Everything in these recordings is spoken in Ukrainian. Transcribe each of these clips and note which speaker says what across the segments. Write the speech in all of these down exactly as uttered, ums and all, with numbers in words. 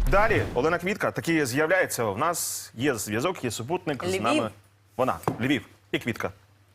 Speaker 1: Далі Олена Квітка таки з'являється. У нас є зв'язок, є супутник з
Speaker 2: Львів.
Speaker 1: нами. Вона, Львів і Квітка.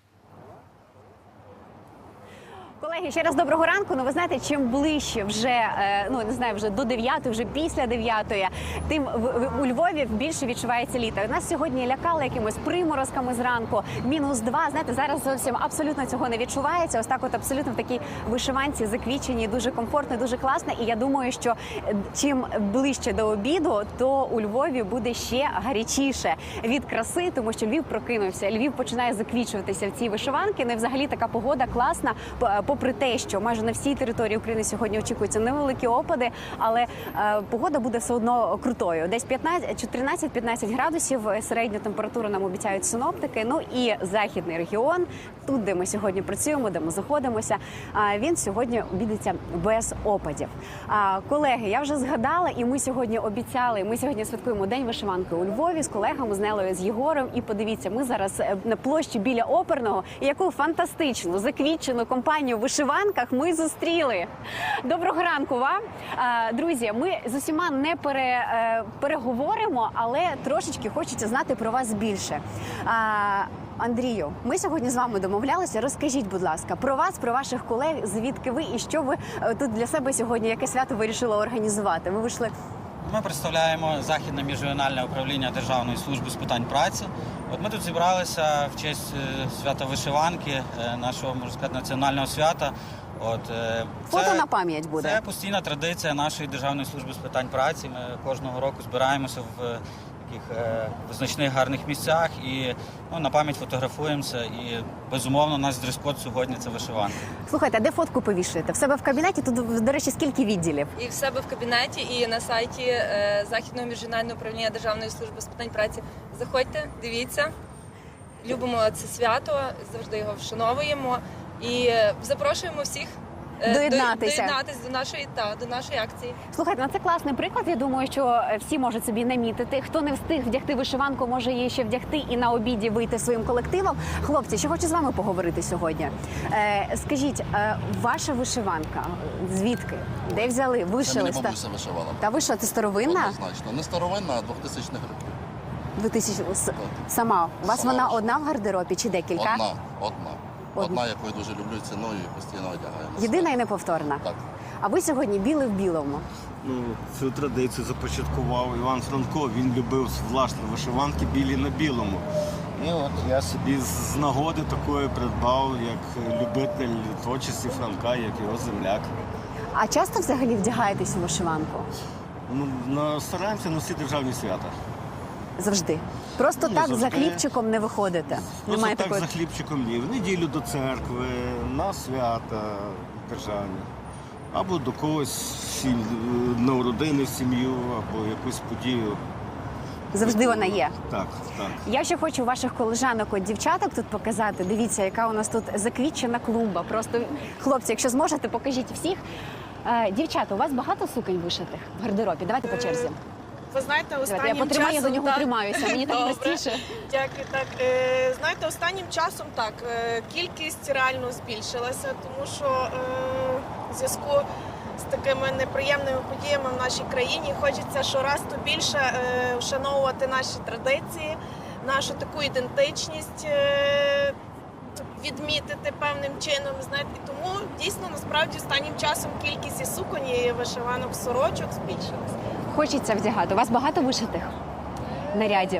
Speaker 2: Колеги, ще раз доброго ранку. Ну, ви знаєте, чим ближче вже, е, ну, не знаю, вже до дев'ятої, вже після дев'ятої, тим в, в, у Львові більше відчувається літо. Нас сьогодні лякали якимось приморозками зранку, мінус два. Знаєте, зараз зовсім абсолютно цього не відчувається. Ось так от абсолютно в такій вишиванці заквічені, дуже комфортно, дуже класно. І я думаю, що чим ближче до обіду, то у Львові буде ще гарячіше від краси, тому що Львів прокинувся. Львів починає заквічуватися в цій вишиванки. Ну і взагалі така погода класна, попри те, що майже на всій території України сьогодні очікуються невеликі опади, але е, погода буде все одно крутою. Десь чотирнадцять-п'ятнадцять градусів середню температуру нам обіцяють синоптики. Ну і західний регіон, тут, де ми сьогодні працюємо, де ми знаходимося, е, він сьогодні обійдеться без опадів. Е, колеги, я вже згадала, і ми сьогодні обіцяли, ми сьогодні святкуємо День вишиванки у Львові з колегами, з Нелою, з Єгором. І подивіться, ми зараз на площі біля Оперного, і яку фантастичну, заквітчену компанію в вишиванках ми зустріли. Доброго ранку вам. Друзі, ми з усіма не пере, переговоримо, але трошечки хочеться знати про вас більше. Андрію, ми сьогодні з вами домовлялися. Розкажіть, будь ласка, про вас, про ваших колег, звідки ви і що ви тут для себе сьогодні, яке свято вирішили організувати? Ви вийшли...
Speaker 3: Ми представляємо Західне міжрегіональне управління Державної служби з питань праці. От ми тут зібралися в честь свята вишиванки, нашого, можна сказати, національного свята. От, це,
Speaker 2: Фото на пам'ять буде?
Speaker 3: Це постійна традиція нашої Державної служби з питань праці. Ми кожного року збираємося в таких е, визначних гарних місцях і ну, на пам'ять фотографуємося. І, безумовно, наш дрес-код сьогодні – це вишиванка.
Speaker 2: Слухайте, а де фотку повішуєте? В себе в кабінеті? Тут, до речі, скільки відділів?
Speaker 4: І в себе в кабінеті, і на сайті е, Західного міжрегіонального управління Державної служби з питань праці. Заходьте, дивіться. Любимо це свято, завжди його вшановуємо. І запрошуємо всіх
Speaker 2: доєднатися.
Speaker 4: доєднатися до нашої, та, до нашої акції.
Speaker 2: Слухайте, ну це класний приклад. Я думаю, що всі можуть собі намітити. Хто не встиг вдягти вишиванку, може її ще вдягти і на обіді вийти своїм колективом. Хлопці, що хочу з вами поговорити сьогодні. Е, скажіть, е, ваша вишиванка, звідки? Де взяли? Вишили?
Speaker 5: Це мені бабуся вишивала.
Speaker 2: Та ви що, це старовинна?
Speaker 5: Однозначно. Не старовинна, а двохтисячних років.
Speaker 2: двохтисячних Сама? У вас
Speaker 5: Сама
Speaker 2: вона
Speaker 5: вишивала.
Speaker 2: одна в гардеробі чи декілька?
Speaker 5: Одна, одна. Одна, яку я дуже люблю ціною і постійно одягаю.
Speaker 2: Єдина і неповторна?
Speaker 5: Так.
Speaker 2: А ви сьогодні білий в білому?
Speaker 6: Ну, цю традицію започаткував Іван Франко. Він любив власне вишиванки білі на білому. І от я собі з нагоди такої придбав, як любитель творчості Франка, як його земляк.
Speaker 2: А часто взагалі вдягаєтесь у вишиванку?
Speaker 6: Ну, на- стараємося носити державні свята.
Speaker 2: Завжди? Просто
Speaker 6: Ні,
Speaker 2: так
Speaker 6: завжди.
Speaker 2: за хлібчиком не виходите?
Speaker 6: Просто
Speaker 2: Немає
Speaker 6: так
Speaker 2: такої...
Speaker 6: за хлібчиком ні. В неділю до церкви, на свята державні. Або до когось сім- на родини в сім'ю, або якусь подію.
Speaker 2: Завжди вона є.
Speaker 6: Так, так.
Speaker 2: Я ще хочу ваших колежанок, от дівчаток тут показати. Дивіться, яка у нас тут заквітчена клумба. Просто, хлопці, якщо зможете, покажіть всіх. Е, дівчата, у вас багато суконь вишитих в гардеробі? Давайте по черзі.
Speaker 7: Ви знаєте,
Speaker 2: Давайте,
Speaker 7: останнім
Speaker 2: я потримаю,
Speaker 7: часом...
Speaker 2: до нього
Speaker 7: так.
Speaker 2: тримаюся, мені так
Speaker 7: Добре.
Speaker 2: простіше.
Speaker 7: Дякую, так. Е, знаєте, останнім часом так, е, кількість реально збільшилася, тому що е, в зв'язку з такими неприємними подіями в нашій країні хочеться щораз то більше е, вшановувати наші традиції, нашу таку ідентичність, е, відмітити певним чином, знаєте, і тому дійсно насправді останнім часом кількість і суконь, і вишиванок, сорочок збільшилася.
Speaker 2: Хочеться вдягати. У вас багато вишитих нарядів?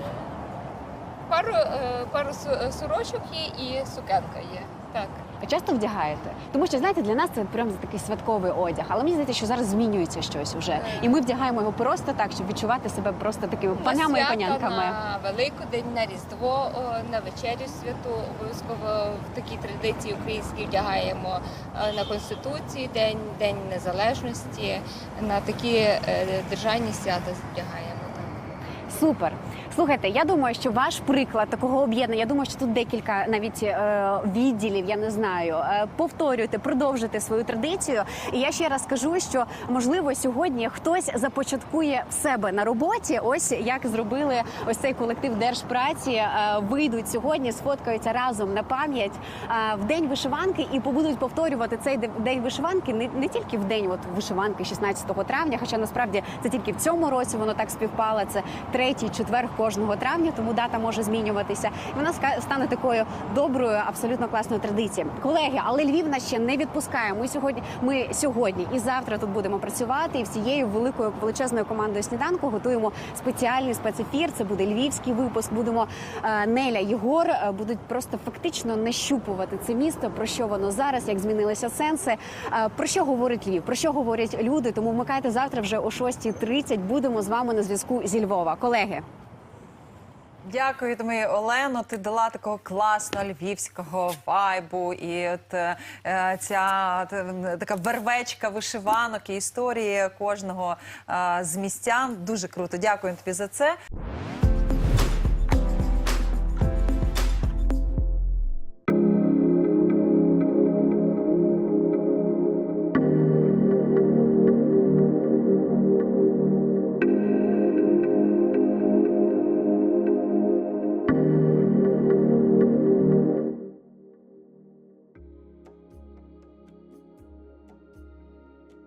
Speaker 4: Пару, е, пару су- сорочок є і сукенка є. Так.
Speaker 2: А часто вдягаєте? Тому що, знаєте, для нас це прям такий святковий одяг. Але мені здається, що зараз змінюється щось вже. І ми вдягаємо його просто так, щоб відчувати себе просто такими панями і панянками.
Speaker 4: На Великодень, на Різдво, о, на вечерю святу. Обов'язково в такій традиції українській вдягаємо е, на Конституції, День, День Незалежності, на такі е, державні свята вдягаємо.
Speaker 2: Супер. Слухайте, я думаю, що ваш приклад такого об'єднання, я думаю, що тут декілька навіть е, відділів, я не знаю, е, повторюйте, продовжуйте свою традицію. І я ще раз скажу, що можливо сьогодні хтось започаткує в себе на роботі, ось як зробили ось цей колектив Держпраці, е, вийдуть сьогодні, сфоткаються разом на пам'ять е, в день вишиванки і побудуть повторювати цей де- день вишиванки не, не тільки в день от, вишиванки шістнадцятого травня, хоча насправді це тільки в цьому році воно так співпало, це третій четвер кожного травня, тому дата може змінюватися. І вона ска- стане такою доброю, абсолютно класною традицією. Колеги, але Львів нас ще не відпускає. Ми сьогодні, ми сьогодні і завтра тут будемо працювати, і всією великою величезною командою сніданку готуємо спеціальний спецефір. Це буде львівський випуск. Будемо е, Неля, Єгор е, будуть просто фактично нащупувати це місто, про що воно зараз, як змінилися сенси, е, про що говорить Львів, про що говорять люди. Тому вмикайте завтра вже о шостій тридцять. Будемо з вами на зв'язку зі Львова. Колеги.
Speaker 8: Дякую тобі, Олено. Ти дала такого класного львівського вайбу. І от е, ця е, така вервечка вишиванок і історії кожного е, з містян. Дуже круто. Дякую тобі за це.